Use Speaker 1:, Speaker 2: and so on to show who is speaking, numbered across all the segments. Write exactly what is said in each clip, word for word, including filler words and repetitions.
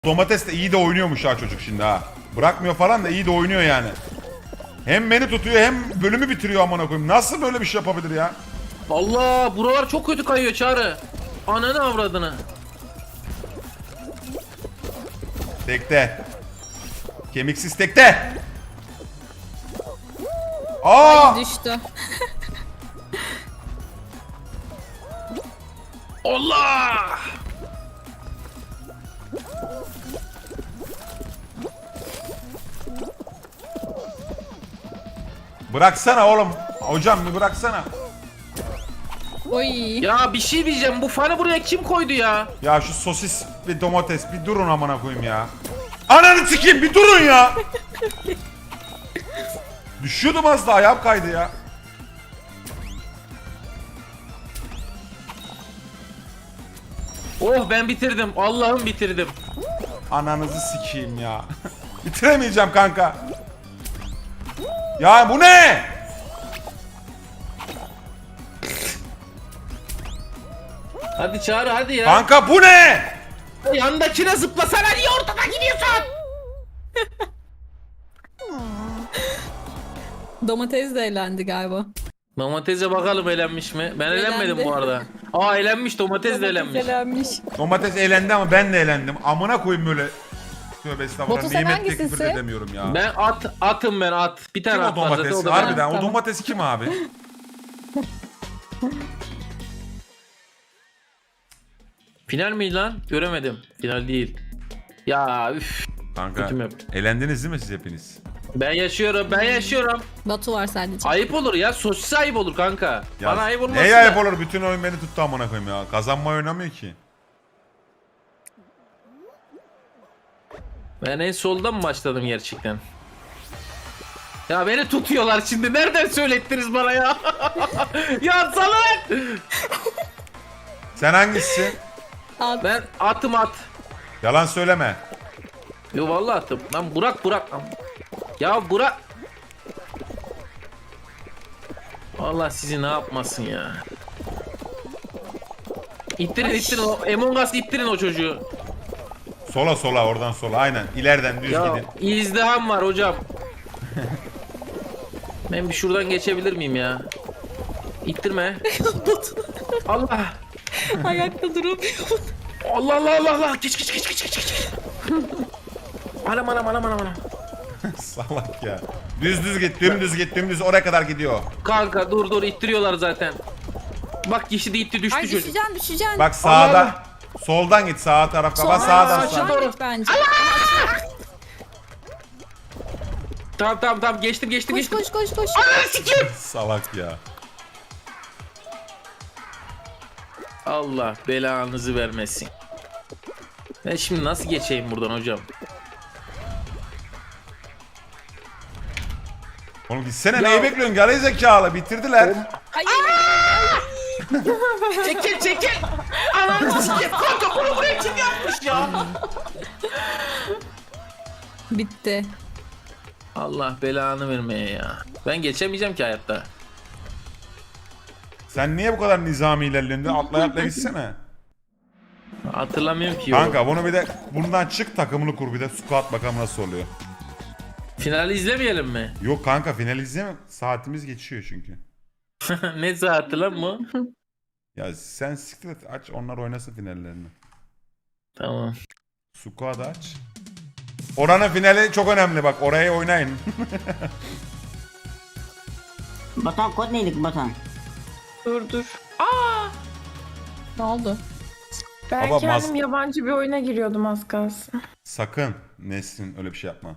Speaker 1: Domates de iyi de oynuyormuş ha çocuk şimdi ha. Bırakmıyor falan da iyi de oynuyor yani. Hem beni tutuyor hem bölümü bitiriyor amına koyayım. Nasıl böyle bir şey yapabilir ya?
Speaker 2: Allah, buralar çok kötü kayıyor Çağrı. Ananı avradını.
Speaker 1: Tekte. Kemiksiz tekte. Aa!
Speaker 3: Ay düştü.
Speaker 2: Allah!
Speaker 1: Bıraksana oğlum. Hocam bir bıraksana.
Speaker 3: Oy.
Speaker 2: Ya bir şey diyeceğim, bu fanı buraya kim koydu ya?
Speaker 1: Ya şu sosis ve domates bir durun amına koyayım ya. Ananı sikeyim bir durun ya. Düşüyordum az daha, ayağım kaydı ya.
Speaker 2: Oh, ben bitirdim. Allah'ım bitirdim.
Speaker 1: Ananızı sikeyim ya. Bitiremeyeceğim kanka. Ya bu ne?
Speaker 2: Hadi Çağrı, hadi ya.
Speaker 1: Kanka bu ne?
Speaker 2: Yandakine zıplasana, niye ortada gidiyorsun?
Speaker 3: Domates de eğlendi galiba.
Speaker 2: Domatese bakalım eğlenmiş mi? Ben
Speaker 3: Eğlendi.
Speaker 2: eğlenmedim bu arada. Aa, eğlenmiş, domates de eğlenmiş.
Speaker 3: eğlenmiş.
Speaker 1: Domates eğlendi ama ben de eğlendim. Amına koyayım böyle. Tövbe estağfurullah.
Speaker 3: Batu, sen
Speaker 1: Nimet de küfür
Speaker 3: hangisisin?
Speaker 1: edemiyorum ya.
Speaker 2: Ben at, atım ben at. Bir tane
Speaker 1: Kim o
Speaker 2: at var zaten,
Speaker 1: domates?
Speaker 2: o da
Speaker 1: Harbiden
Speaker 2: benim.
Speaker 1: o
Speaker 3: Tamam.
Speaker 1: domates kim abi?
Speaker 2: Final mi lan? Göremedim. Final değil. Ya üf.
Speaker 1: Kanka
Speaker 2: Kötü map.
Speaker 1: eğlendiniz değil mi siz hepiniz?
Speaker 2: Ben yaşıyorum, ben yaşıyorum.
Speaker 3: Batu var sadece.
Speaker 2: Ayıp olur ya, sosis ayıp olur kanka.
Speaker 1: Ya,
Speaker 2: Bana ayıp olmasın
Speaker 1: neye
Speaker 2: da.
Speaker 1: ayıp olur? Bütün oyun beni tuttu amına koyayım ya. Kazanmayı oynamıyor ki.
Speaker 2: Ben en soldan mı başladım gerçekten? Ya beni tutuyorlar şimdi. Nereden söylettiniz bana ya? Ya salak!
Speaker 1: Sen hangisi?
Speaker 3: At.
Speaker 2: Ben atım at.
Speaker 1: Yalan söyleme.
Speaker 2: Yo vallahi atım. Lan Burak Burak. Lan. Ya Burak. Vallahi sizi ne yapmasın ya. İttirin ittirin o Among Us, ittirin o çocuğu.
Speaker 1: Sola sola oradan sola aynen. İleriden düz
Speaker 2: Ya
Speaker 1: gidin.
Speaker 2: izdiham var hocam. Ben bir şuradan geçebilir miyim ya? İttirme. Allah.
Speaker 3: Ayakta duramıyor.
Speaker 2: Allah Allah Allah Allah. Geç geç geç geç geç geç. Anam anam anam anam anam.
Speaker 1: Salak ya. Düz düz git, dümdüz git, dümdüz oraya kadar gidiyor.
Speaker 2: Kanka dur dur, ittiriyorlar zaten. Bak kişi de itti, düştü
Speaker 3: Ay
Speaker 2: çocuk.
Speaker 3: düşeceksin düşeceksin.
Speaker 1: Bak sağda.
Speaker 2: Allah.
Speaker 1: Soldan git, sağ taraf kapat,
Speaker 3: Sonra
Speaker 1: sağdan
Speaker 2: saçma.
Speaker 1: sağ.
Speaker 2: doğru.
Speaker 3: git bence.
Speaker 2: Tamam tamam tamam, geçtim geçtim
Speaker 3: Koş
Speaker 2: geçtim.
Speaker 3: koş koş koş.
Speaker 2: Ananı sikeyim.
Speaker 1: Salak ya.
Speaker 2: Allah belanızı vermesin. Ben şimdi nasıl geçeyim buradan hocam?
Speaker 1: Oğlum gitsene,
Speaker 2: Ya-
Speaker 1: neyi bekliyorsun? Gari zekalı, bitirdiler.
Speaker 3: Hayır.
Speaker 2: Çekil çekil. Ananı sikeyim. Kanka bunu buraya kim yapmış ya?
Speaker 3: Bitti.
Speaker 2: Allah belanı vermeye ya. Ben geçemeyeceğim ki hayatta.
Speaker 1: Sen niye bu kadar nizami ilerliyorsun? Atla atla gitsene.
Speaker 2: Hatırlamıyorum ki. Kanka.
Speaker 1: Kanka bunu bir de bundan çık, takımını kur, bir de squat bakalım nasıl oluyor.
Speaker 2: Finali izlemeyelim mi?
Speaker 1: Yok kanka, final izleme. Saatimiz geçiyor çünkü.
Speaker 2: Ne saati lan bu?
Speaker 1: Ya sen siktir et, aç onlar oynasın finallerini.
Speaker 2: Tamam.
Speaker 1: Squat aç. Oranın finali çok önemli bak, orayı oynayın.
Speaker 4: Batuhan kod neydi Batuhan?
Speaker 5: Dur dur. Aa!
Speaker 3: Ne oldu?
Speaker 5: Ben
Speaker 1: Baba,
Speaker 5: kendim
Speaker 1: mas-
Speaker 5: yabancı bir oyuna giriyordum az kalsın.
Speaker 1: Sakın Nesrin öyle bir şey yapma.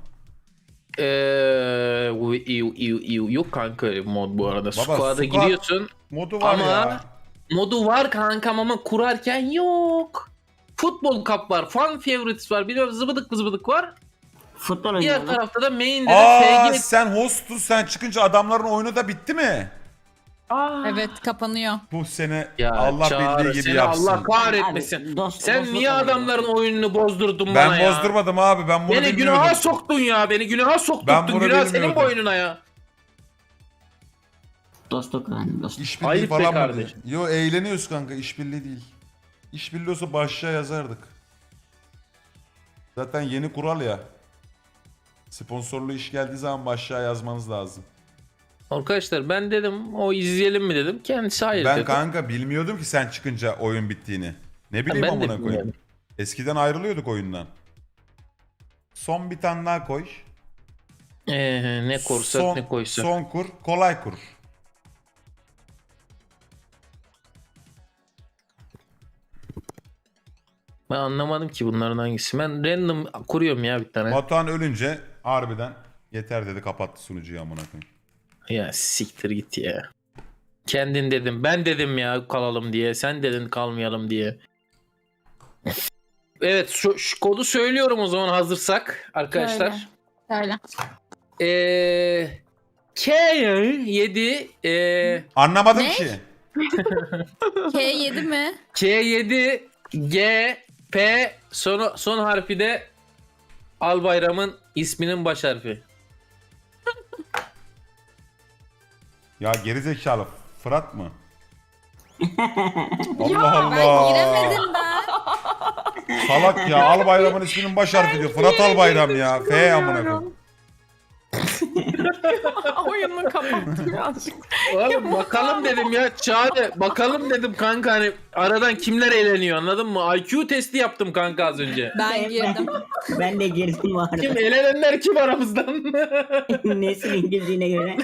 Speaker 2: Eee u- iu- iu- iu- yok kanka mod bu arada. Squad'a
Speaker 1: squad-
Speaker 2: giriyorsun.
Speaker 1: Modu var
Speaker 2: Ama
Speaker 1: ya.
Speaker 2: modu var kankam ama kurarken yok. Futbol Cup var, Fan Favorites var, bir de zıbıdık zıbıdık var.
Speaker 4: Futbol
Speaker 2: Diğer
Speaker 4: oynuyorlar.
Speaker 2: tarafta da main'de de
Speaker 1: Aa,
Speaker 2: F G.
Speaker 1: sen hostun, sen çıkınca adamların oyunu da bitti mi?
Speaker 5: Aa!
Speaker 3: Evet kapanıyor.
Speaker 1: Bu sene
Speaker 2: Ya
Speaker 1: Allah
Speaker 2: Çağrı,
Speaker 1: bildiği gibi
Speaker 2: seni
Speaker 1: yapsın.
Speaker 2: Allah kahretmesin.
Speaker 4: Abi, dost-
Speaker 2: Sen
Speaker 4: dostluk
Speaker 2: niye
Speaker 4: oluyor.
Speaker 2: adamların oyununu bozdurdun
Speaker 1: Ben
Speaker 2: bana ya?
Speaker 1: bozdurmadım abi, ben bunu
Speaker 2: Beni
Speaker 1: bilmiyordum.
Speaker 2: günaha soktun ya, beni günaha
Speaker 1: Ben
Speaker 2: soktuktun.
Speaker 1: bunu
Speaker 2: Günah senin
Speaker 1: bilmiyordum.
Speaker 2: boynuna ya.
Speaker 4: Dostluk yani dostluk.
Speaker 1: İşbirliği
Speaker 2: Ayıp be
Speaker 1: falan mı?
Speaker 2: kardeşim.
Speaker 1: Yo, eğleniyoruz kanka, işbirliği değil. İşbirliği olsa başlığa yazardık. Zaten yeni kural ya. Sponsorlu iş geldiği zaman başlığa yazmanız lazım.
Speaker 2: Arkadaşlar ben dedim o izleyelim mi dedim. Kendisi hayır
Speaker 1: Ben
Speaker 2: dedi.
Speaker 1: kanka bilmiyordum ki sen çıkınca oyun bittiğini. Ne bileyim
Speaker 2: ben de
Speaker 1: amına koyayım.
Speaker 2: bilmiyorum.
Speaker 1: Eskiden ayrılıyorduk oyundan. Son bir tane daha koy.
Speaker 2: Ee, ne korsak
Speaker 1: son,
Speaker 2: ne koysak.
Speaker 1: Son kur, kolay kur.
Speaker 2: Ben anlamadım ki bunların hangisi. Ben random kuruyorum ya bir tane.
Speaker 1: Batuhan ölünce harbiden yeter dedi, kapattı sunucuyu amına koyayım.
Speaker 2: Ya siktir git ya. Kendin dedim. Ben dedim ya kalalım diye. Sen dedin kalmayalım diye. Evet şu, şu kodu söylüyorum o zaman hazırsak arkadaşlar.
Speaker 3: Söyle.
Speaker 2: Ee, K yedi ee,
Speaker 1: Anlamadım
Speaker 3: Ne?
Speaker 1: ki.
Speaker 3: K yedi mi?
Speaker 2: K yedi G P son, son harfi de Albayram'ın isminin baş harfi.
Speaker 1: Ya gerizekalı Fırat mı?
Speaker 5: Ya,
Speaker 1: Allah
Speaker 3: Ben
Speaker 1: Allah.
Speaker 3: giremedim ben.
Speaker 1: Salak ya, Albayram'ın isminin baş harfi diyor. Fırat Albayram ya. F amına koyayım.
Speaker 5: Oyunu kapattım birazcık.
Speaker 2: Oğlum bakalım dedim ya Çağrı bakalım dedim kanka hani aradan kimler eğleniyor anladın mı? I Q testi yaptım kanka az önce.
Speaker 3: Ben girdim.
Speaker 4: Ben de girdim bu
Speaker 2: Kim
Speaker 4: arada.
Speaker 2: elenenler kim aramızdan?
Speaker 4: Nesin girdiğine göre.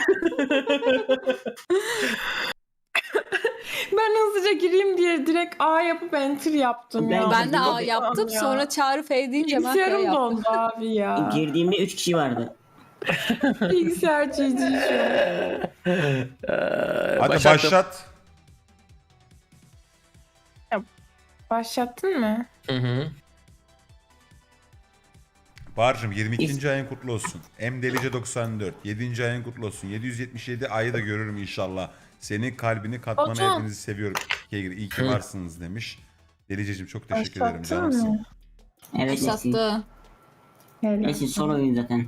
Speaker 5: Ben hızlıca gireyim diye direkt A yapıp enter yaptım ya.
Speaker 3: Ben de A
Speaker 5: Allah'ım
Speaker 3: yaptım.
Speaker 5: ya.
Speaker 3: Sonra Çağrı F deyince ben F
Speaker 5: Bilgisayarım
Speaker 3: yaptım.
Speaker 5: dondu abi ya.
Speaker 4: Girdiğimde üç kişi vardı.
Speaker 5: Bilgisayar G G şu an.
Speaker 1: Hadi
Speaker 2: Başlattım.
Speaker 1: başlat.
Speaker 5: Başlattın mı?
Speaker 2: Hı hı.
Speaker 1: Bahar'cığım yirmi ikinci ayın kutlu olsun. M Delice doksan dört. yedinci ayın kutlu olsun. yedi yüz yetmiş yedi ayı da görürüm inşallah. Senin kalbini katmanı
Speaker 5: Batuhan.
Speaker 1: hepinizi seviyorum. Kegri iyi ki
Speaker 2: Hı.
Speaker 1: varsınız demiş. Deliceciğim çok teşekkür ederim
Speaker 5: Başlattın
Speaker 1: canımsın.
Speaker 5: mı?
Speaker 4: Evet Nesin.
Speaker 3: Sattı.
Speaker 4: Nesin son oyun zaten.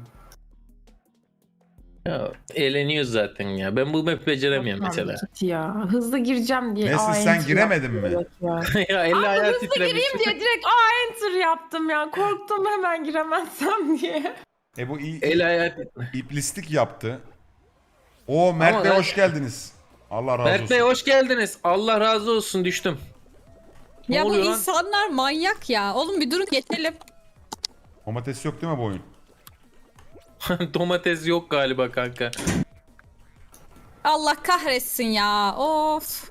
Speaker 2: Ya, eğleniyoruz zaten ya. Ben bu map beceremiyorum mesela.
Speaker 5: Git ya. Hızlı gireceğim diye
Speaker 1: Nesin,
Speaker 5: A
Speaker 1: sen
Speaker 5: enter
Speaker 1: giremedin mi?
Speaker 5: yaptım direkt ya.
Speaker 2: ya elli ayağı
Speaker 5: Hızlı
Speaker 2: titremiş.
Speaker 5: gireyim diye direkt A enter yaptım ya. Korktum hemen giremezsem diye.
Speaker 1: E bu iyi,
Speaker 2: El ayağı titre-
Speaker 1: iplislik yaptı. O Mert
Speaker 2: Ama
Speaker 1: Bey
Speaker 2: ben-
Speaker 1: hoş geldiniz. Allah razı
Speaker 2: Mert
Speaker 1: olsun.
Speaker 2: Bey hoş geldiniz. Allah razı olsun düştüm. Ne
Speaker 3: Ya bu
Speaker 2: oluyor lan?
Speaker 3: insanlar manyak ya. Oğlum bir durun geçelim.
Speaker 1: Domates yok değil mi bu oyun?
Speaker 2: Domates yok galiba kanka.
Speaker 3: Allah kahretsin ya. Of.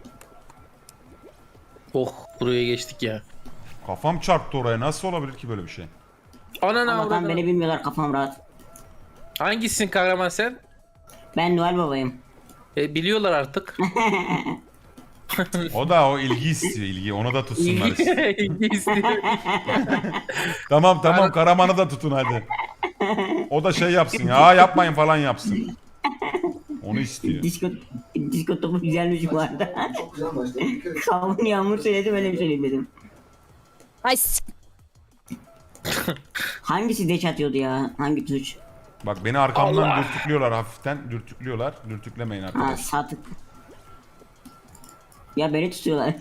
Speaker 2: Oh buraya geçtik ya.
Speaker 1: Kafam çarptı oraya. Nasıl olabilir ki böyle bir şey?
Speaker 2: Ananı
Speaker 4: Allah'tan
Speaker 2: avradını.
Speaker 4: beni bilmiyorlar, kafam rahat.
Speaker 2: Hangisisin kahraman sen?
Speaker 4: Ben Noel Baba'yım.
Speaker 2: E, biliyorlar artık.
Speaker 1: O da o ilgi istiyor, ilgi. Onu da tutsunlar istiyor.
Speaker 2: İlgi istiyor.
Speaker 1: Tamam tamam, Karaman'ı da tutun hadi. O da şey yapsın ya, yapmayın falan yapsın. Onu istiyor.
Speaker 4: Disko, disko topu güzelmiş bu arada.
Speaker 6: Çok güzel başladı.
Speaker 4: Kavun Yağmur söyledi, böyle bir söyleyeyim dedim.
Speaker 3: Ay s-
Speaker 4: Hangisi deç atıyordu ya? Hangi tuş?
Speaker 1: Bak beni arkamdan
Speaker 2: Allah.
Speaker 1: dürtüklüyorlar hafiften. Dürtüklüyorlar. Dürtüklemeyin
Speaker 4: Ha
Speaker 1: arkadaşlar.
Speaker 4: sağ tık. Ya beni tutuyorlar.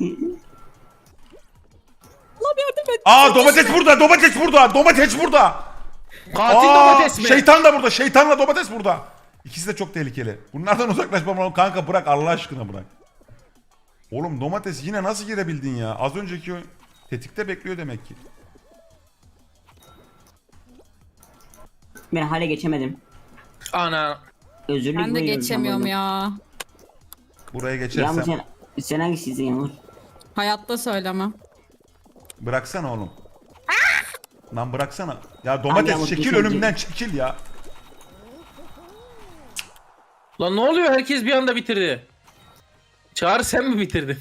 Speaker 1: Aa domates burada, domates burada, domates burada.
Speaker 2: Katil
Speaker 1: Aa,
Speaker 2: domates mi?
Speaker 1: şeytan da burada, şeytanla domates burada. İkisi de çok tehlikeli. Bunlardan uzaklaşmam lazım. Kanka bırak, Allah aşkına bırak. Oğlum domates yine nasıl girebildin ya? Az önceki o tetikte bekliyor demek ki.
Speaker 4: Ben hale geçemedim.
Speaker 2: Ana.
Speaker 4: Özürlük
Speaker 3: ben de
Speaker 4: buyuruyorum
Speaker 3: geçemiyorum
Speaker 4: sen
Speaker 3: ya.
Speaker 1: Buraya
Speaker 4: bunu.
Speaker 1: geçersem.
Speaker 4: Yağmur sen, sen hangisisin Yağmur?
Speaker 3: Hayatta söylemem.
Speaker 1: Bıraksana oğlum. Lan bıraksana. Ya domates
Speaker 4: Yağmur,
Speaker 1: çekil
Speaker 4: geçemeyecek.
Speaker 1: önümden, çekil ya.
Speaker 2: Lan ne oluyor? Herkes bir anda bitirdi. Çağrı sen mi bitirdin?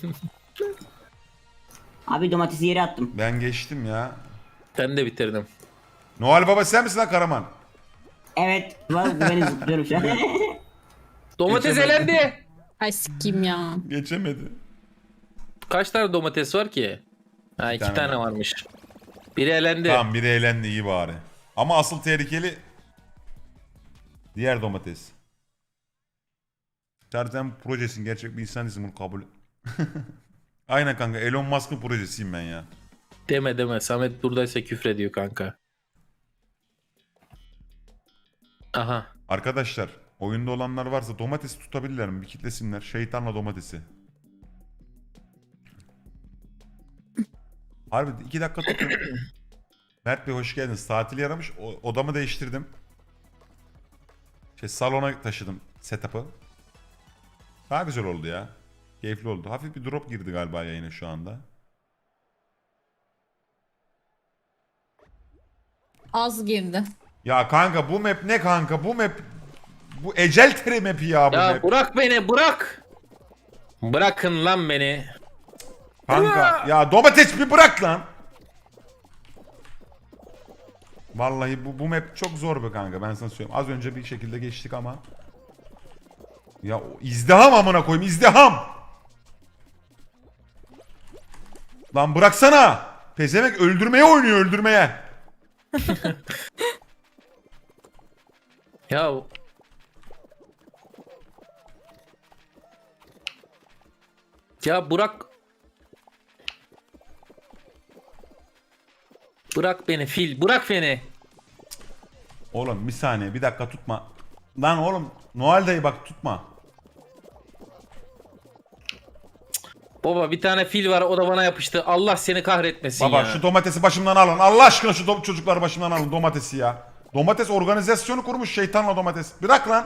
Speaker 4: Abi domatesi yere attım.
Speaker 1: Ben geçtim ya.
Speaker 2: Ben de bitirdim.
Speaker 1: Noel Baba sen misin lan Karaman?
Speaker 4: Evet. Var beni zıplıyorum şu an.
Speaker 2: Domates
Speaker 1: Geçemedim.
Speaker 2: elendi.
Speaker 3: Ay sikim ya.
Speaker 1: Geçemedi.
Speaker 2: Kaç tane domates var ki? Ha iki
Speaker 1: tane
Speaker 2: tane,
Speaker 1: var.
Speaker 2: varmış. Biri elendi.
Speaker 1: Tamam, biri eğlendi, iyi bari. Ama asıl tehlikeli diğer domates. Zaten projesin, gerçek bir insan değilsin, bunu kabul et. Aynen kanka, Elon Musk'ın projesiyim ben ya.
Speaker 2: Deme deme. Samet buradaysa küfrediyor kanka. Aha.
Speaker 1: Arkadaşlar oyunda olanlar varsa domatesi tutabilirler mi? Bir kitlesinler. Şeytanla domatesi. Harbi iki dakika tutun. Mert Bey hoş geldiniz. Tatil yaramış. O- odamı değiştirdim. Şey salona taşıdım setup'ı. Daha güzel oldu ya. Keyifli oldu. Hafif bir drop girdi galiba yayına şu anda.
Speaker 3: Az girdi.
Speaker 1: Ya kanka bu map ne kanka? Bu map bu ecel tere map'i ya bu
Speaker 2: Ya
Speaker 1: map.
Speaker 2: bırak beni bırak. Bırakın lan beni.
Speaker 1: Kanka ya domates bir bırak lan. Vallahi bu bu map çok zor be kanka ben sana söyleyeyim. Az önce bir şekilde geçtik ama. Ya o izdiham amına koyayım izdiham. Lan bıraksana. Pezemek öldürmeye oynuyor öldürmeye.
Speaker 2: Ya Ya bırak. Bırak beni fil. Bırak beni.
Speaker 1: Oğlum bir saniye bir dakika tutma. Lan oğlum Noel dayı bak tutma.
Speaker 2: Baba bir tane fil var o da bana yapıştı. Allah seni kahretmesin
Speaker 1: Baba
Speaker 2: ya.
Speaker 1: şu domatesi başımdan alın. Allah aşkına şu do- çocukları başımdan alın domatesi ya. Domates organizasyonu kurmuş şeytanla domates. Bırak lan.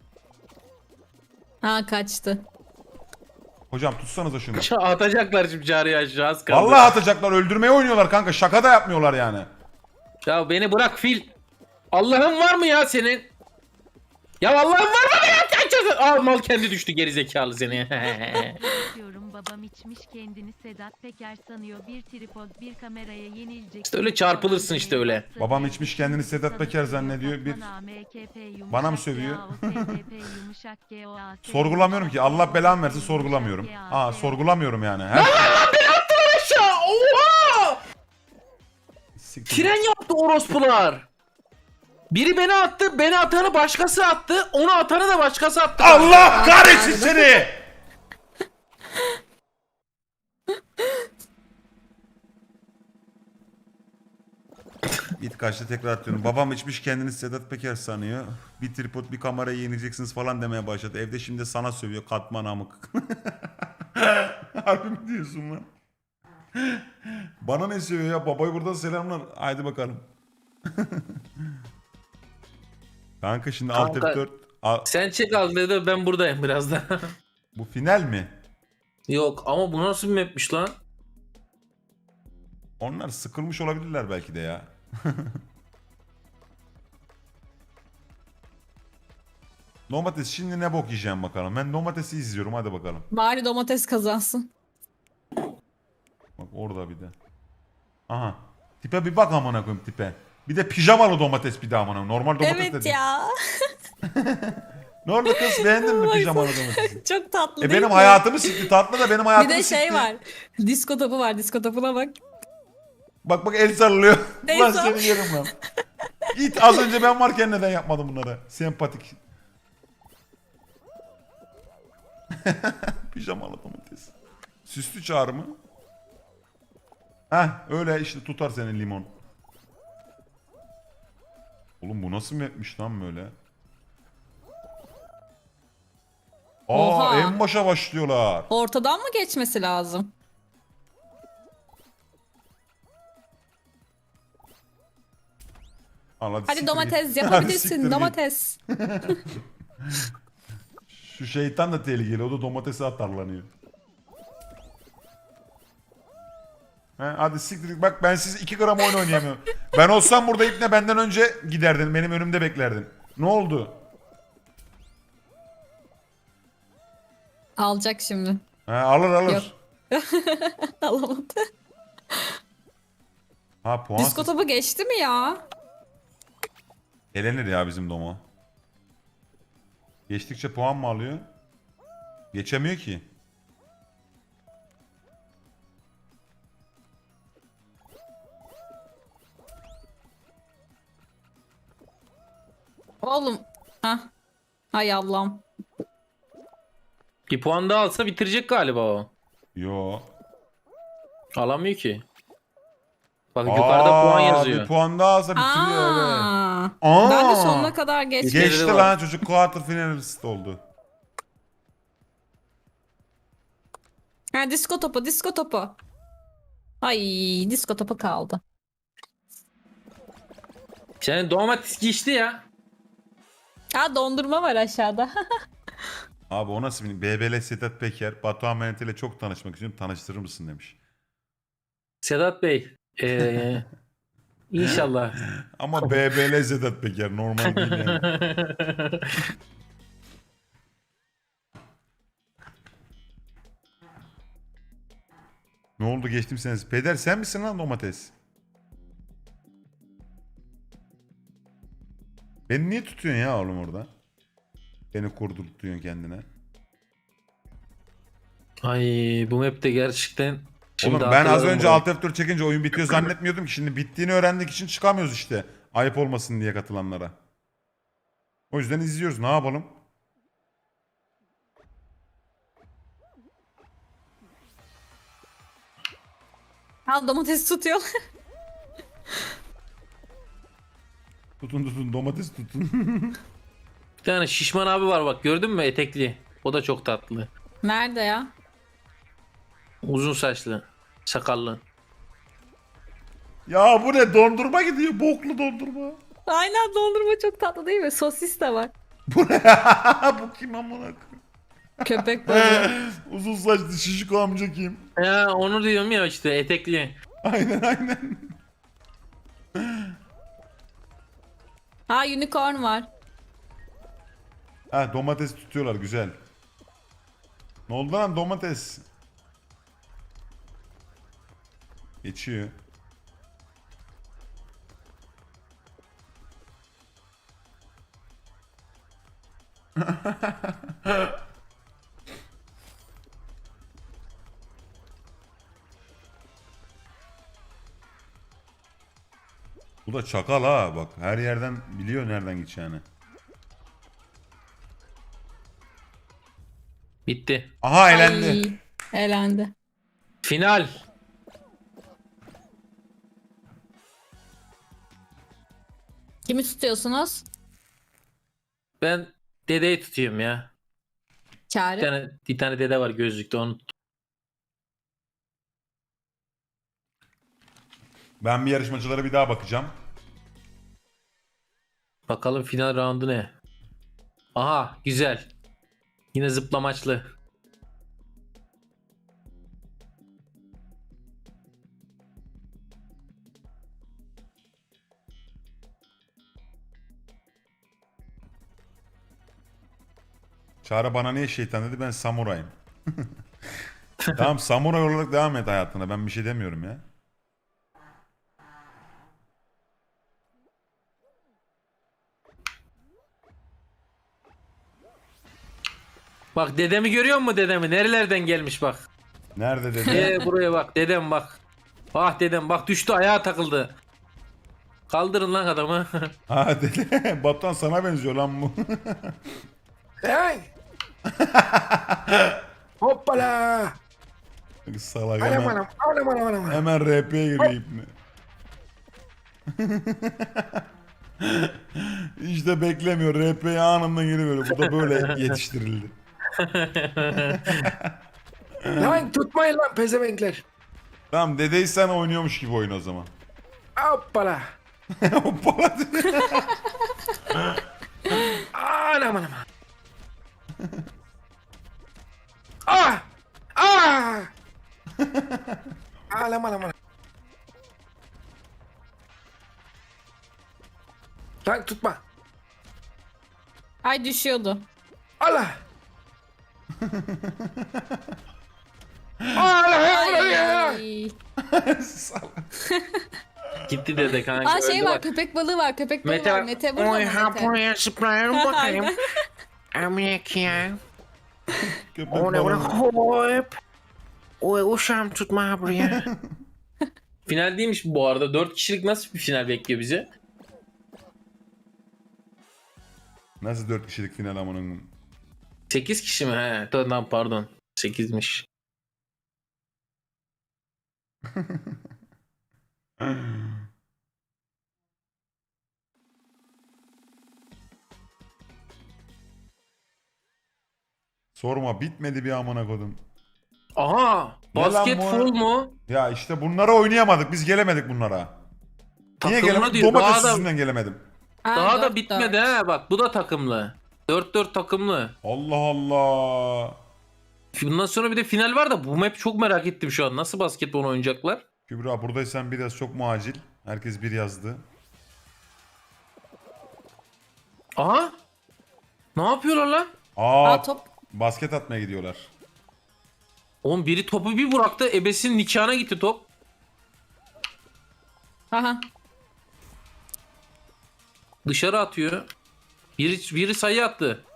Speaker 3: Ha kaçtı.
Speaker 1: Hocam tutsanıza şunu.
Speaker 2: Ya atacaklar şimdi cariye aşağı az kaldı.
Speaker 1: Vallahi atacaklar öldürmeye oynuyorlar kanka şaka da yapmıyorlar yani.
Speaker 2: Ya beni bırak fil. Allah'ın var mı ya senin? Ya Allah'ın var mı ya? Aa mal kendi düştü gerizekalı seni.
Speaker 6: Diyorum babam içmiş kendini Sedat Peker sanıyor. Bir tripod bir kameraya yenilecek.
Speaker 2: İşte öyle çarpılırsın işte öyle.
Speaker 1: Babam içmiş kendini Sedat Peker zannediyor, bir- Bana mı sövüyor? Sorgulamıyorum ki Allah belamı versin sorgulamıyorum. Aa sorgulamıyorum yani. Her...
Speaker 2: Aşağı oha!
Speaker 1: Siktir.
Speaker 2: Tren yaptı orospular. Biri beni attı, beni atanı başkası attı, onu atanı da başkası attı.
Speaker 1: Allah kahretsin seni! Git kaçta tekrar atıyorum. Babam içmiş kendini Sedat Peker sanıyor. Bir tripod bir kamerayı yenileceksiniz falan demeye başladı. Evde şimdi sana sövüyor katman amık. Harbi mi diyorsun lan? Bana ne sövüyor ya? Babaya buradan selamlar. Haydi bakalım. Kanka şimdi alt
Speaker 2: Kanka-
Speaker 1: F dört. A-
Speaker 2: Sen çek al dedi, ben buradayım biraz da.
Speaker 1: Bu final mi?
Speaker 2: Yok ama bu nasıl bir mapmiş lan?
Speaker 1: Onlar sıkılmış olabilirler belki de ya. Domates şimdi ne bok yiyeceğim bakalım. Ben domatesi izliyorum hadi bakalım.
Speaker 3: Bari domates kazansın.
Speaker 1: Bak orada bir de. Aha. Tipe bir bak amına koyayım tipe. Bir de pijamalı domates bir de amına. Normal domates
Speaker 3: Evet
Speaker 1: dedi.
Speaker 3: ya.
Speaker 1: Ne oldu kız beğendin mi pijamalı domatesi?
Speaker 3: Çok tatlı
Speaker 1: E
Speaker 3: değil
Speaker 1: benim
Speaker 3: mi?
Speaker 1: hayatımı sikti tatlı da benim
Speaker 3: Bir
Speaker 1: hayatımı
Speaker 3: de
Speaker 1: sikti.
Speaker 3: şey var. Disko topu var. Disko topuna bak.
Speaker 1: Bak bak el sallıyor.
Speaker 3: El
Speaker 1: Ulan
Speaker 3: sall-
Speaker 1: seni yerim lan. Git az önce ben varken neden yapmadım bunları? Sempatik. Pijamalı domates. Süslü çağrı mı? Heh öyle işte tutar seni limon. Oğlum bu nasıl mapmiş lan böyle? Aa
Speaker 3: Oha.
Speaker 1: en başa başlıyorlar.
Speaker 3: Ortadan mı geçmesi lazım?
Speaker 1: Al,
Speaker 3: Hadi
Speaker 1: siktir
Speaker 3: domates
Speaker 1: git.
Speaker 3: yapabilirsin.
Speaker 1: Hadi siktir git.
Speaker 3: Domates.
Speaker 1: Şu şeytan da tehlikeli. O da domatesi atarlanıyor. He, hadi siktir git. Bak ben siz iki gram oyun oynayamıyorum. Ben olsam burada ipne benden önce giderdin. Benim önümde beklerdin. Ne oldu?
Speaker 3: Alacak şimdi.
Speaker 1: He, alır alır.
Speaker 3: Yok. Alamadı.
Speaker 1: Ha puan.
Speaker 3: Disko topu geçti mi ya?
Speaker 1: Elenir ya bizim Domo. Geçtikçe puan mı alıyor? Geçemiyor ki.
Speaker 3: Oğlum. Hah. Hay Allah'ım.
Speaker 2: Bir puan daha alsa bitirecek galiba o.
Speaker 1: Yo.
Speaker 2: Alamıyor ki. Bak yukarıda puan
Speaker 1: Aa,
Speaker 2: yazıyor.
Speaker 1: Bir puan daha alsa bitiriyor evet.
Speaker 3: Aa,
Speaker 1: Aa,
Speaker 3: ben de sonuna kadar geçtim.
Speaker 2: Geç-
Speaker 1: Geçti
Speaker 2: var.
Speaker 1: lan çocuk quarter finalist oldu.
Speaker 3: Ha, disko topu, disko topu. Ay, disko topu kaldı.
Speaker 2: Senin domates geçti ya.
Speaker 3: Ha, dondurma var aşağıda.
Speaker 1: Abi o nasıl bir B B L Sedat Peker Batuhan Menet ile çok tanışmak istiyorum tanıştırır mısın demiş.
Speaker 2: Sedat Bey. Ee, inşallah.
Speaker 1: Ama B B L Sedat Peker normal değil yani. Ne oldu geçtim seniz. Peder sen misin lan domates? Beni niye tutuyorsun ya oğlum orada? Beni kurdurtuyorsun kendine.
Speaker 2: Ay bu map'te gerçekten şimdi
Speaker 1: Oğlum ben az
Speaker 2: hatırladım
Speaker 1: önce
Speaker 2: bunu.
Speaker 1: Alt F dört çekince oyun bitiyor zannetmiyordum ki. Şimdi bittiğini öğrendik için çıkamıyoruz işte. Ayıp olmasın diye katılanlara. O yüzden izliyoruz. Ne yapalım?
Speaker 3: Al, domates tutuyor.
Speaker 1: Tutun tutun domates tutun.
Speaker 2: Bir tane şişman abi var bak gördün mü etekli. O da çok tatlı.
Speaker 3: Nerede ya?
Speaker 2: Uzun saçlı. Sakallı.
Speaker 1: Ya bu ne dondurma gidiyor. Boklu dondurma.
Speaker 3: Aynen, dondurma çok tatlı değil mi? Sosis de var.
Speaker 1: Bu ne? Bu kim amına koyayım?
Speaker 3: Köpek balığı.
Speaker 1: Uzun saçlı şişko amca kim?
Speaker 2: Ya onu diyorum ya işte etekli.
Speaker 1: Aynen aynen.
Speaker 3: Ha, unicorn var.
Speaker 1: Ha domates tutuyorlar güzel. Ne oldu lan domates? Geçiyor. Bu da çakal ha bak her yerden biliyor nereden gideceğini.
Speaker 2: Bitti.
Speaker 1: Aha elendi.
Speaker 3: Ay, elendi.
Speaker 2: Final.
Speaker 3: Kimi tutuyorsunuz?
Speaker 2: Ben dedeyi tutuyorum ya. Bir
Speaker 3: Çağrı.
Speaker 2: tane, bir tane dede var gözlükte onu tut-
Speaker 1: Ben bir yarışmacılara bir daha bakacağım.
Speaker 2: Bakalım final roundu ne? Aha güzel. Yine zıplamaçlı.
Speaker 1: Çağrı bana niye şeytan dedi ben samurayım. Tamam samuray olarak devam et hayatına ben bir şey demiyorum ya.
Speaker 2: Bak dedemi görüyor musun dedemi? Nerelerden gelmiş bak.
Speaker 1: Nerede dedi?
Speaker 2: Ee, buraya bak dedem bak. Ah dedem bak düştü ayağa takıldı. Kaldırın lan adamı.
Speaker 1: Ha dedi. Batuhan sana benziyor lan bu.
Speaker 7: Hey! Hoppala!
Speaker 1: Salak
Speaker 7: Anam
Speaker 1: hemen,
Speaker 7: anam anam anam anam.
Speaker 1: hemen R P'ye giriyor ipne. İşte beklemiyor. R P'ye anında giriyor. Bu da böyle yetiştirildi.
Speaker 7: Lan tutmayın lan pezevenkler.
Speaker 1: Tamam dedeyi sen oynuyormuş gibi oyun o zaman.
Speaker 7: Hoppala!
Speaker 1: Hoppala dedi.
Speaker 7: Anam anam. Ah! Ah! Anam anam anam. Lan tutma.
Speaker 3: Ay, düşüyordu.
Speaker 7: Allah! Allah!
Speaker 3: Ay.
Speaker 7: Allah!
Speaker 2: Gitti dede kanka.
Speaker 3: Aa, şey
Speaker 2: öldü
Speaker 3: var,
Speaker 2: bak.
Speaker 3: köpek balığı var, köpek balığı
Speaker 2: Mete-
Speaker 3: var. Mete burada mı
Speaker 7: Oy ha
Speaker 3: Mete?
Speaker 7: buraya zıplayalım bakayım.
Speaker 3: Aynen.
Speaker 7: Amyak ya.
Speaker 1: Köpek
Speaker 7: O ne
Speaker 1: balığı.
Speaker 7: hop. Oy uşağım tutma buraya.
Speaker 2: Final değilmiş bu arada. dört kişilik nasıl bir final bekliyor bizi?
Speaker 1: Nasıl dört kişilik final amanın?
Speaker 2: sekiz kişi mi? He, tamam pardon. sekizmiş.
Speaker 1: Sorma bitmedi bir amına kodum.
Speaker 2: Aha,
Speaker 1: Ne lan
Speaker 2: basket
Speaker 1: bu?
Speaker 2: full mu?
Speaker 1: Ya işte bunlara oynayamadık. Biz gelemedik bunlara. Niye
Speaker 2: Takımlı
Speaker 1: gelemedik?
Speaker 2: diyor,
Speaker 1: Domates
Speaker 2: daha da-
Speaker 1: yüzünden gelemedim.
Speaker 3: Ha,
Speaker 2: Daha da
Speaker 3: dört,
Speaker 2: bitmedi
Speaker 3: dört.
Speaker 2: ha, bak bu da takımlı. dört dört takımlı.
Speaker 1: Allah Allah.
Speaker 2: Bundan sonra bir de final var da bu map çok merak ettim şu an. Nasıl basketbol oynayacaklar?
Speaker 1: Kübra buradaysan biraz çok mu acil? Herkes bir yazdı.
Speaker 2: Aha. Ne yapıyorlar lan?
Speaker 1: Aa,
Speaker 3: Aa, top.
Speaker 1: basket atmaya gidiyorlar.
Speaker 2: Oğlum biri topu bir bıraktı. Ebesinin nikahına gitti top.
Speaker 3: Aha.
Speaker 2: Dışarı atıyor. Biri, biri sayı attı.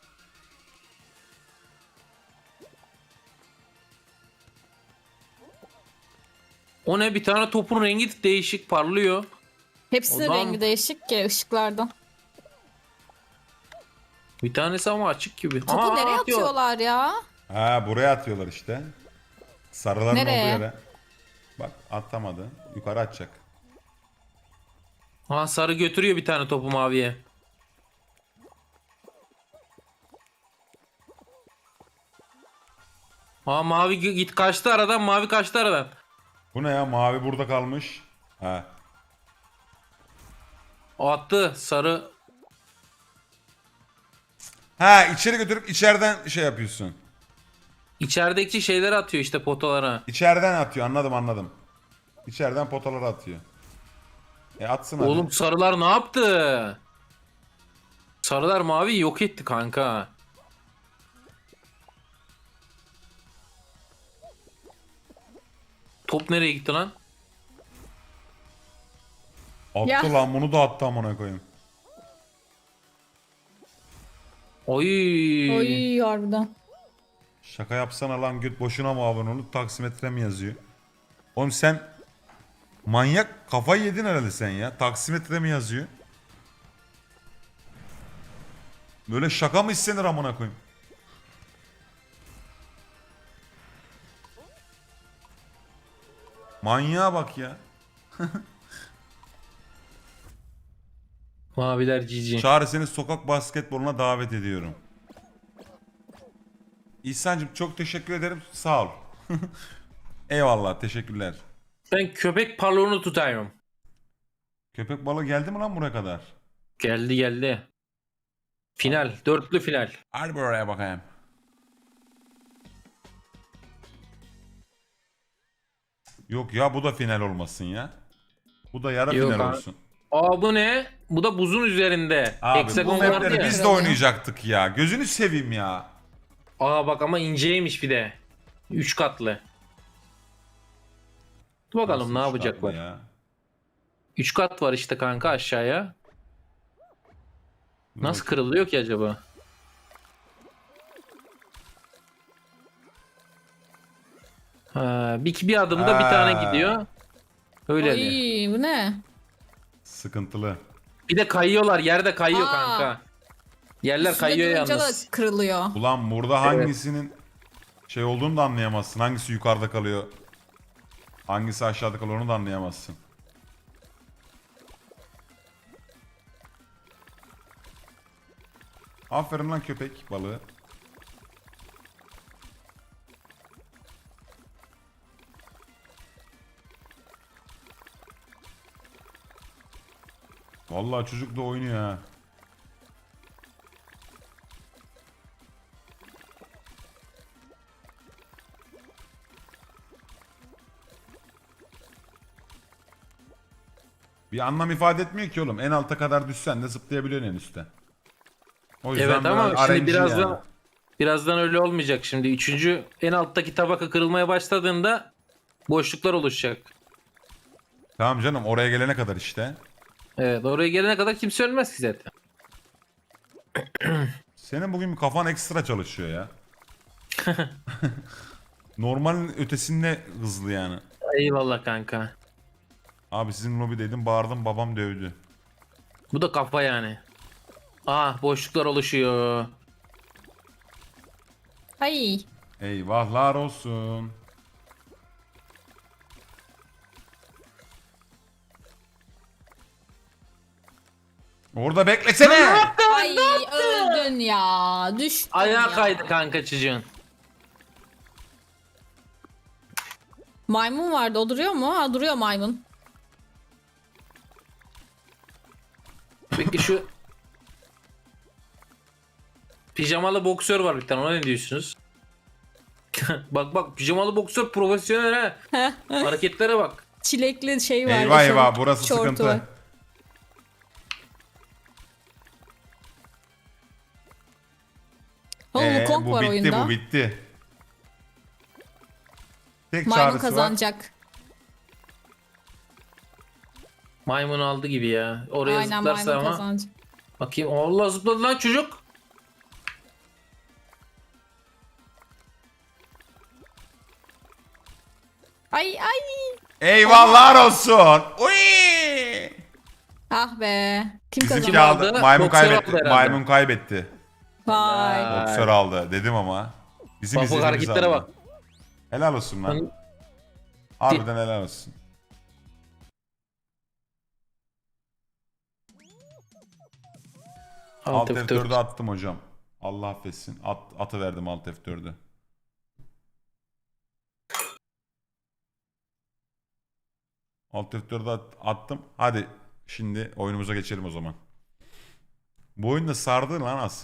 Speaker 2: O ne, bir tane topun rengi değişik parlıyor.
Speaker 3: Hepsinin
Speaker 2: O zaman-
Speaker 3: rengi değişik ki ışıklardan.
Speaker 2: Bir tanesi ama açık gibi.
Speaker 3: Topu
Speaker 2: Aa,
Speaker 3: nereye
Speaker 2: atıyor.
Speaker 3: atıyorlar ya?
Speaker 1: Ha buraya atıyorlar işte. Sarıların
Speaker 3: Nereye?
Speaker 1: olduğu yere. Bak atamadı. Yukarı atacak.
Speaker 2: Aa, sarı götürüyor bir tane topu maviye. Aa, mavi g- git kaçtı aradan, mavi kaçtı aradan.
Speaker 1: Bu ne ya? Mavi burada kalmış. Ha.
Speaker 2: O attı sarı.
Speaker 1: Ha içeri götürüp içeriden şey yapıyorsun.
Speaker 2: İçerideki şeyleri atıyor işte potalara.
Speaker 1: İçeriden atıyor anladım anladım. İçeriden potalara atıyor. E atsın hadi.
Speaker 2: Oğlum sarılar ne yaptı? Sarılar mavi yok etti kanka. Top nereye gitti lan?
Speaker 1: Attı
Speaker 3: Ya.
Speaker 1: lan bunu da attı amına koyayım.
Speaker 2: Oy.
Speaker 3: Oy harbiden.
Speaker 1: Şaka yapsana lan göt boşuna mı abone olup taksimetre mi yazıyor? Oğlum sen manyak kafayı yedin herhalde sen ya. Taksimetre mi yazıyor? Böyle şaka mı istenir amına koyayım? Manyağa bak ya.
Speaker 2: Maviler cici.
Speaker 1: Çağrı seni sokak basketboluna davet ediyorum. İhsan'cığım çok teşekkür ederim. Sağ ol. Eyvallah teşekkürler.
Speaker 2: Ben köpek balonu tutuyorum.
Speaker 1: Köpek balığı geldi mi lan buraya kadar?
Speaker 2: Geldi geldi. Final. Dörtlü final.
Speaker 1: Hadi buraya bakayım. Yok ya bu da final olmasın ya. Bu da yarı
Speaker 2: Yok
Speaker 1: final
Speaker 2: abi.
Speaker 1: olsun.
Speaker 2: Aa, bu ne? Bu da buzun üzerinde.
Speaker 1: Abi bu
Speaker 2: Hexagon vardı
Speaker 1: mapleri
Speaker 2: ya.
Speaker 1: biz de oynayacaktık ya. Gözünü seveyim ya.
Speaker 2: Aa bak ama inceymiş bir de. Üç katlı. Dur bakalım
Speaker 1: Nasıl
Speaker 2: ne
Speaker 1: üç
Speaker 2: yapacaklar.
Speaker 1: katlı ya?
Speaker 2: Üç kat var işte kanka aşağıya.
Speaker 1: Dur
Speaker 2: Nasıl
Speaker 1: bakayım.
Speaker 2: kırılıyor ki acaba? Ha, bir, bir adımda bir
Speaker 1: Ha.
Speaker 2: tane gidiyor. Öyle de.
Speaker 3: Oy bu ne?
Speaker 1: Sıkıntılı.
Speaker 2: Bir de kayıyorlar. Yerde kayıyor
Speaker 3: Aa.
Speaker 2: kanka. Yerler
Speaker 3: Üstüne
Speaker 2: kayıyor
Speaker 3: durunca
Speaker 2: yalnız.
Speaker 3: da kırılıyor.
Speaker 1: Ulan burada hangisinin şey olduğunu da anlayamazsın. Hangisi yukarıda kalıyor. Hangisi aşağıda kalıyor onu da anlayamazsın. Aferin lan köpek balığı. Vallahi çocuk da oynuyor ha. Bir anlam ifade etmiyor ki oğlum. En alta kadar düşsen de zıplayabiliyorsun en üstte. O yüzden
Speaker 2: Evet ama
Speaker 1: biraz
Speaker 2: şimdi
Speaker 1: R N G
Speaker 2: birazdan
Speaker 1: yani.
Speaker 2: birazdan öyle olmayacak şimdi. Üçüncü en alttaki tabaka kırılmaya başladığında boşluklar oluşacak.
Speaker 1: Tamam canım oraya gelene kadar işte.
Speaker 2: Evet, oraya gelene kadar kimse ölmez ki zaten.
Speaker 1: Senin bugün bir kafan ekstra çalışıyor ya. Normalin ötesinde hızlı yani.
Speaker 2: Eyvallah kanka.
Speaker 1: Abi sizin lobideydim bağırdım babam dövdü.
Speaker 2: Bu da kafa yani. Ah, boşluklar oluşuyor.
Speaker 3: Ay.
Speaker 1: Eyvahlar olsun. Orada beklesene.
Speaker 3: Ay öldün ya. Düştün
Speaker 2: Ayağa
Speaker 3: ya.
Speaker 2: kaydı kanka çocuğun.
Speaker 3: Maymun vardı. O duruyor mu? Ha duruyor maymun.
Speaker 2: Peki şu pijamalı boksör var bir tane, ona ne diyorsunuz? Bak bak, pijamalı boksör profesyonel ha. Hareketlere bak.
Speaker 3: Çilekli şey var.
Speaker 1: Eyvah
Speaker 3: şort-
Speaker 1: eyvah burası
Speaker 3: şortu
Speaker 1: sıkıntı.
Speaker 3: var. Oğlum
Speaker 1: Ee,
Speaker 3: Wukong
Speaker 1: bu
Speaker 3: var
Speaker 1: bitti
Speaker 3: oyunda.
Speaker 1: bu bitti. Tek
Speaker 3: Maymun
Speaker 1: çağrısı var.
Speaker 3: kazanacak.
Speaker 2: Maymun aldı gibi ya. Oraya
Speaker 3: Aynen
Speaker 2: zıplarsa
Speaker 3: maymun
Speaker 2: ama.
Speaker 3: kazanacak.
Speaker 2: Bakayım, Allah zıpladı lan çocuk.
Speaker 3: Ay ay.
Speaker 1: Eyvallah olsun. Uy!
Speaker 3: Ah be. Kim
Speaker 1: Bizimki
Speaker 3: kazandı?
Speaker 2: Kim
Speaker 1: aldı.
Speaker 2: aldı?
Speaker 1: Maymun
Speaker 2: Boksör
Speaker 1: kaybetti.
Speaker 2: aldı herhalde.
Speaker 1: Maymun kaybetti.
Speaker 3: Vay.
Speaker 2: Ay.
Speaker 1: Boksör aldı dedim ama. Bizim
Speaker 2: Bak bak,
Speaker 1: izlediğimiz
Speaker 2: hareketlere
Speaker 1: aldı.
Speaker 2: bak.
Speaker 1: Helal olsun lan.
Speaker 2: Lan-
Speaker 1: Harbiden helal olsun. Alt
Speaker 2: Alt
Speaker 1: F
Speaker 2: F
Speaker 1: dördü
Speaker 2: dört.
Speaker 1: attım hocam. Allah affetsin. At, atı verdim Alt F dördü. Alt F dördü at- attım. Hadi şimdi oyunumuza geçelim o zaman. Bu oyunda sardı lan az.